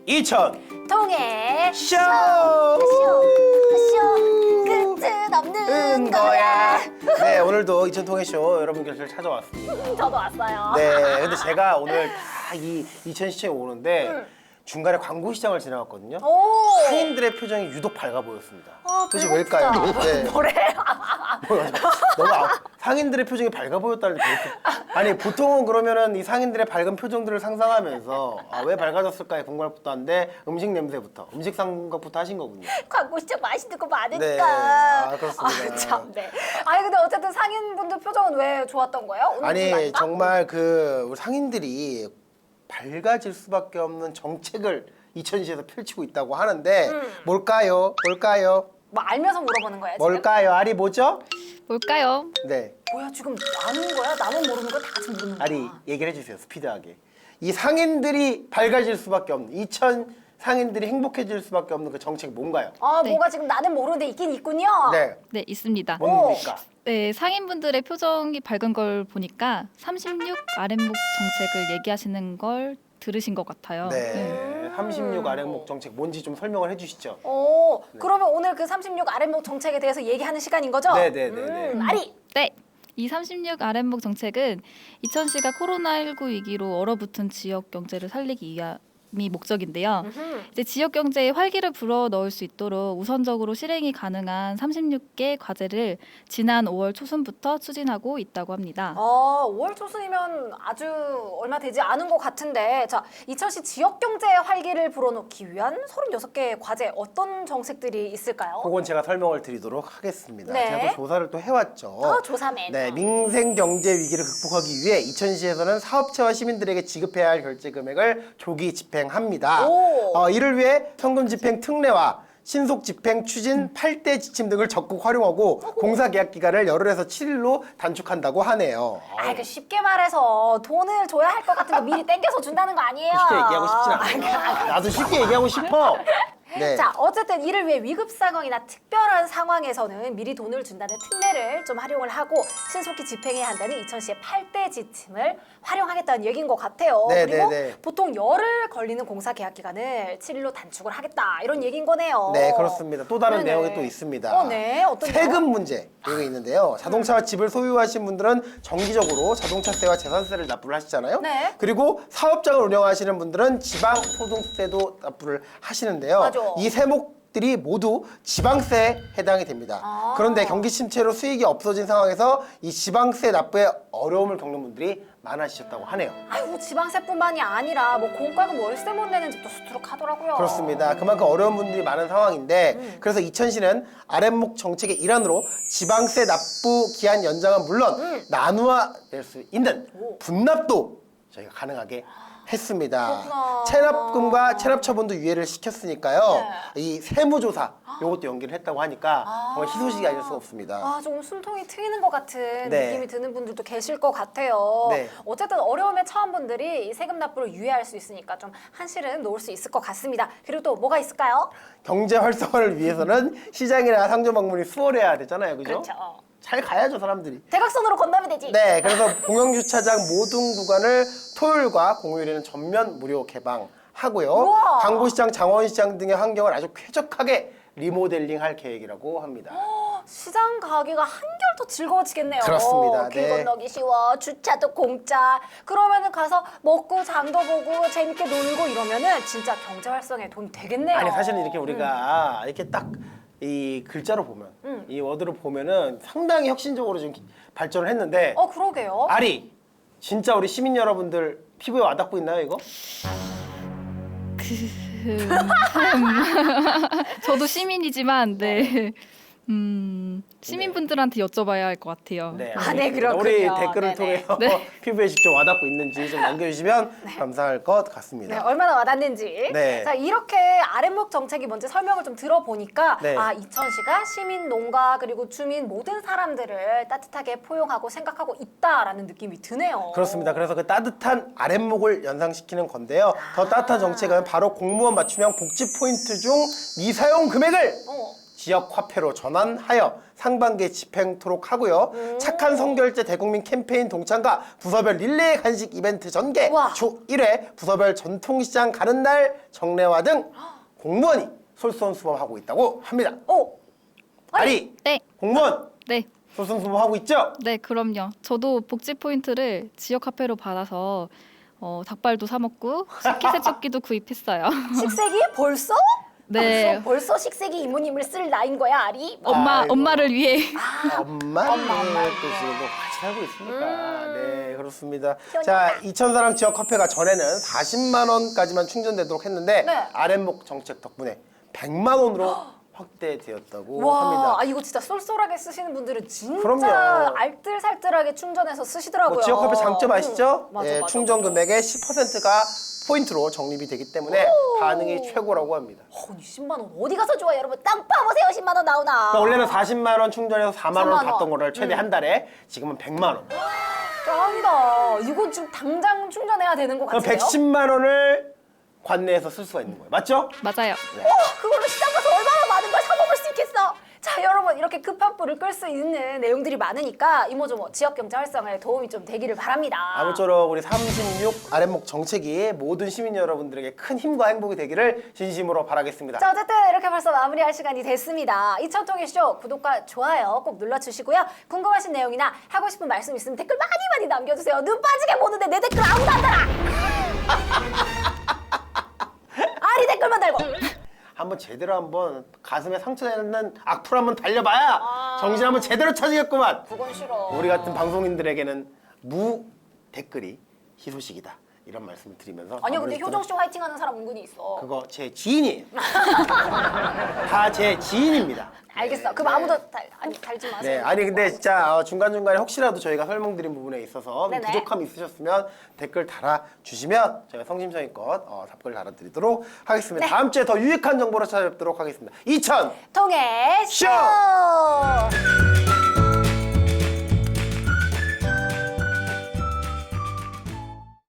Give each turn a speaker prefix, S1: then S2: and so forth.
S1: 2000
S2: 통해
S1: 쇼!
S2: 끝은 없는 거야.
S1: 네, 오늘도 2000 통해쇼 여러분 곁을 찾아왔습니다.
S2: 저도 왔어요.
S1: 네, 근데 제가 오늘 다 이 2000 시청에 오는데 중간에 광고 시장을 지나갔거든요.
S2: 오.
S1: 상인들의 표정이 유독 밝아 보였습니다. 도대체
S2: 배고프다.
S1: 왜일까요? 네.
S2: 뭐래?
S1: 너무 상인들의 표정이 밝아 보였다는데 아니 보통은 그러면은 이 상인들의 밝은 표정들을 상상하면서 왜 밝아졌을까에 궁금할 것도 한데 음식 냄새부터 음식 생각부터 하신 거군요.
S2: 광고 시장 맛있는 거 많으니까.
S1: 네. 아, 그렇습니다.
S2: 참, 네. 아니 근데 어쨌든 상인분들 표정은 왜 좋았던 거예요? 오늘
S1: 아니
S2: 좋았다?
S1: 정말 우리 상인들이 밝아질 수밖에 없는 정책을 2000시에서 펼치고 있다고 하는데 뭘까요? 뭘까요?
S2: 뭐 알면서 물어보는 거야 지금?
S1: 뭘까요? 알이 뭐죠?
S3: 뭘까요?
S1: 네.
S2: 뭐야 지금 아는 거야? 나만 모르는 거야? 다 같이 모르는 거야?
S1: 아리 얘기를 해주세요. 스피드하게. 이 상인들이 밝아질 수밖에 없는 2000 상인들이 행복해질 수밖에 없는 그 정책이 뭔가요?
S2: 네. 뭐가 지금 나는 모르는데 있긴 있군요.
S1: 네.
S3: 네, 있습니다.
S1: 뭡니까?
S3: 네, 상인분들의 표정이 밝은 걸 보니까 36 아랫목 정책을 얘기하시는 걸 들으신 것 같아요.
S1: 네. 36 아랫목 정책 뭔지 좀 설명을 해주시죠.
S2: 그러면 오늘 그 36 아랫목 정책에 대해서 얘기하는 시간인 거죠?
S1: 네네네네.
S2: 아리!
S3: 네. 이 36 아랫목 정책은 2000시가 코로나19 위기로 얼어붙은 지역 경제를 살리기 위함이 목적인데요. 이제 지역 경제에 활기를 불어 넣을 수 있도록 우선적으로 실행이 가능한 36개 과제를 지난 5월 초순부터 추진하고 있다고 합니다.
S2: 5월 초순이면 아주 얼마 되지 않은 것 같은데 자, 2000시 지역 경제의 활기를 불어넣기 위한 36개의 과제 어떤 정책들이 있을까요?
S1: 그건 제가 설명을 드리도록 하겠습니다.
S2: 네.
S1: 제가 또 조사를 또 해왔죠.
S2: 조사맨.
S1: 네, 민생 경제 위기를 극복하기 위해 2000시에서는 사업체와 시민들에게 지급해야 할 결제 금액을 조기 집행합니다. 이를 위해 현금 집행 특례와 신속 집행 추진 8대 지침 등을 적극 활용하고 공사 계약 기간을 열흘에서 7일로 단축한다고 하네요.
S2: 그 쉽게 말해서 돈을 줘야 할 것 같은 거 미리 땡겨서 준다는 거 아니에요?
S1: 쉽게 얘기하고 싶진 않아요. 나도 쉽게 얘기하고 싶어. 네.
S2: 자, 어쨌든 이를 위해 위급 상황이나 특별한 상황에서는 미리 돈을 준다는 특례를 좀 활용을 하고 신속히 집행해야 한다는 2000시의 8대 지침을 활용하겠다는 얘기인 것 같아요.
S1: 네,
S2: 그리고
S1: 네, 네.
S2: 보통 열흘 걸리는 공사 계약 기간을 7일로 단축을 하겠다 이런 얘기인 거네요.
S1: 네, 그렇습니다. 또 다른
S2: 네네.
S1: 내용이 또 있습니다.
S2: 네, 어떤
S1: 세금 문제 여기 있는데요. 자동차와 집을 소유하신 분들은 정기적으로 자동차세와 재산세를 납부를 하시잖아요.
S2: 네.
S1: 그리고 사업장을 운영하시는 분들은 지방소득세도 납부를 하시는데요.
S2: 맞아.
S1: 이 세목들이 모두 지방세에 해당이 됩니다. 그런데 경기 침체로 수익이 없어진 상황에서 이 지방세 납부에 어려움을 겪는 분들이 많아지셨다고 하네요.
S2: 아이고 지방세뿐만이 아니라 뭐 공과금 월세 못 내는 집도 수두룩하더라고요.
S1: 그렇습니다. 그만큼 어려운 분들이 많은 상황인데 그래서 2000시는 아랫목 정책의 일환으로 지방세 납부 기한 연장은 물론 나누어 낼 수 있는 분납도 저희가 가능하게 했습니다.
S2: 그렇구나.
S1: 체납금과 체납 처분도 유예를 시켰으니까요.
S2: 네.
S1: 이 세무조사 요것도 연기를 했다고 하니까 정말 희소식이 아닐 수가 없습니다.
S2: 조금 숨통이 트이는 것 같은
S1: 네.
S2: 느낌이 드는 분들도 계실 것 같아요.
S1: 네.
S2: 어쨌든 어려움에 처한 분들이 이 세금 납부를 유예할 수 있으니까 좀 한시름 놓을 수 있을 것 같습니다. 그리고 또 뭐가 있을까요?
S1: 경제 활성화를 위해서는 시장이나 상점 방문이 수월해야 되잖아요. 그죠?
S2: 그렇죠.
S1: 잘 가야죠, 사람들이.
S2: 대각선으로 건너면 되지.
S1: 네, 그래서 공영주차장 모든 구간을 토요일과 공휴일에는 전면 무료 개방하고요.
S2: 우와.
S1: 광고시장, 장원시장 등의 환경을 아주 쾌적하게 리모델링할 계획이라고 합니다.
S2: 시장 가기가 한결 더 즐거워지겠네요.
S1: 그렇습니다.
S2: 길
S1: 네.
S2: 건너기 쉬워, 주차도 공짜. 그러면은 가서 먹고 장도 보고 재밌게 놀고 이러면은 진짜 경제 활성에 도움이 되겠네요.
S1: 아니 사실은 이렇게 우리가 이렇게 딱 이 글자로 보면 이 워드로 보면은 상당히 혁신적으로 좀 발전을 했는데
S2: 그러게요.
S1: 아리 진짜 우리 시민 여러분들 피부에 와닿고 있나요 이거?
S3: 저도 시민이지만 네. 시민분들한테 여쭤봐야 할 것 같아요.
S1: 네,
S2: 네, 그렇군요.
S1: 우리 댓글을
S2: 네네.
S1: 통해서 피부에 직접 와닿고 있는지 좀 남겨주시면 감사할 것 같습니다.
S2: 네, 얼마나 와닿는지.
S1: 네.
S2: 자, 이렇게 아랫목 정책이 뭔지 설명을 좀 들어보니까
S1: 네.
S2: 2000시가 시민, 농가 그리고 주민 모든 사람들을 따뜻하게 포용하고 생각하고 있다라는 느낌이 드네요.
S1: 그렇습니다. 그래서 그 따뜻한 아랫목을 연상시키는 건데요. 더 따뜻한 정책은 바로 공무원 맞춤형 복지 포인트 중 미사용 금액을 지역 화폐로 전환하여 상반기에 집행토록 하고요. 착한 성결제 대국민 캠페인 동참과 부서별 릴레이 간식 이벤트 전개,
S2: 우와.
S1: 주 1회 부서별 전통시장 가는 날 정례화 등 공무원이 솔선수범하고 있다고 합니다. 아리
S3: 네.
S1: 공무원
S3: 네.
S1: 솔선수범하고 있죠?
S3: 네, 그럼요. 저도 복지 포인트를 지역 화폐로 받아서 닭발도 사 먹고 식기세척기도 구입했어요.
S2: 식세기 벌써?
S3: 네.
S2: 벌써 식세기 이모님을 쓸 나이인 거야, 아리?
S1: 아이고.
S3: 엄마를 위해.
S1: 엄마 또 지금 또 같이 살고 있으니까 네 그렇습니다.
S2: 편하다.
S1: 자 이천사랑 지역 화폐가 전에는 40만 원까지만 충전되도록 했는데
S2: 네.
S1: 아랫목 정책 덕분에 100만 원으로 확대되었다고
S2: 와,
S1: 합니다.
S2: 이거 진짜 쏠쏠하게 쓰시는 분들은 진짜
S1: 그럼요.
S2: 알뜰살뜰하게 충전해서 쓰시더라고요.
S1: 뭐 지역 화폐 장점 아시죠?
S2: 맞아,
S1: 예,
S2: 맞아,
S1: 충전
S2: 맞아.
S1: 금액의 10%가 포인트로 적립이 되기 때문에 반응이 최고라고 합니다.
S2: 10만 원 어디 가서 좋아 여러분? 땅 파보세요. 10만 원 나오나?
S1: 그러니까 원래는 40만 원 충전해서 4만 원
S2: 4만 원.
S1: 받던 거를 최대 한 달에 지금은 100만 원.
S2: 짱이다. 이거 지금 당장 충전해야 되는 것
S1: 그럼
S2: 같은데요?
S1: 110만 원을 관내에서 쓸 수가 있는 거예요. 맞죠?
S3: 맞아요.
S2: 그걸로 시장 가서 얼마나 많은 걸 사 먹을 수 있겠어? 자, 여러분 이렇게 급한 불을 끌 수 있는 내용들이 많으니까 이모저모 지역 경제 활성화에 도움이 좀 되기를 바랍니다.
S1: 아무쪼록 우리 36 아랫목 정책이 모든 시민 여러분들에게 큰 힘과 행복이 되기를 진심으로 바라겠습니다.
S2: 자, 어쨌든 이렇게 벌써 마무리할 시간이 됐습니다. 이천통일 쇼 구독과 좋아요 꼭 눌러주시고요. 궁금하신 내용이나 하고 싶은 말씀 있으면 댓글 많이 남겨주세요. 눈 빠지게 보는데 내 댓글 아무도 안 달아. 아리 댓글만 달고.
S1: 한번 제대로 한번 가슴에 상처내는 악플 한번 달려봐야 정신 한번 제대로 차지겠구만.
S2: 그건 싫어.
S1: 우리 같은 방송인들에게는 무 댓글이 희소식이다. 이런 말씀을 드리면서
S2: 아니요, 근데
S1: 마무리
S2: 효정 씨 화이팅 하는 사람 은근히 있어.
S1: 그거 제 지인이에요. 다 제 지인입니다.
S2: 알겠어.
S1: 네,
S2: 그럼
S1: 네.
S2: 아무도 달지 마세요.
S1: 네, 아니 근데 진짜 중간중간에 혹시라도 저희가 설명드린 부분에 있어서
S2: 네네.
S1: 부족함이 있으셨으면 댓글 달아주시면 저희가 성심성의껏 답글 달아드리도록 하겠습니다.
S2: 네.
S1: 다음 주에 더 유익한 정보로 찾아뵙도록 하겠습니다. 2000
S2: 통해
S1: 쇼!
S2: 쇼!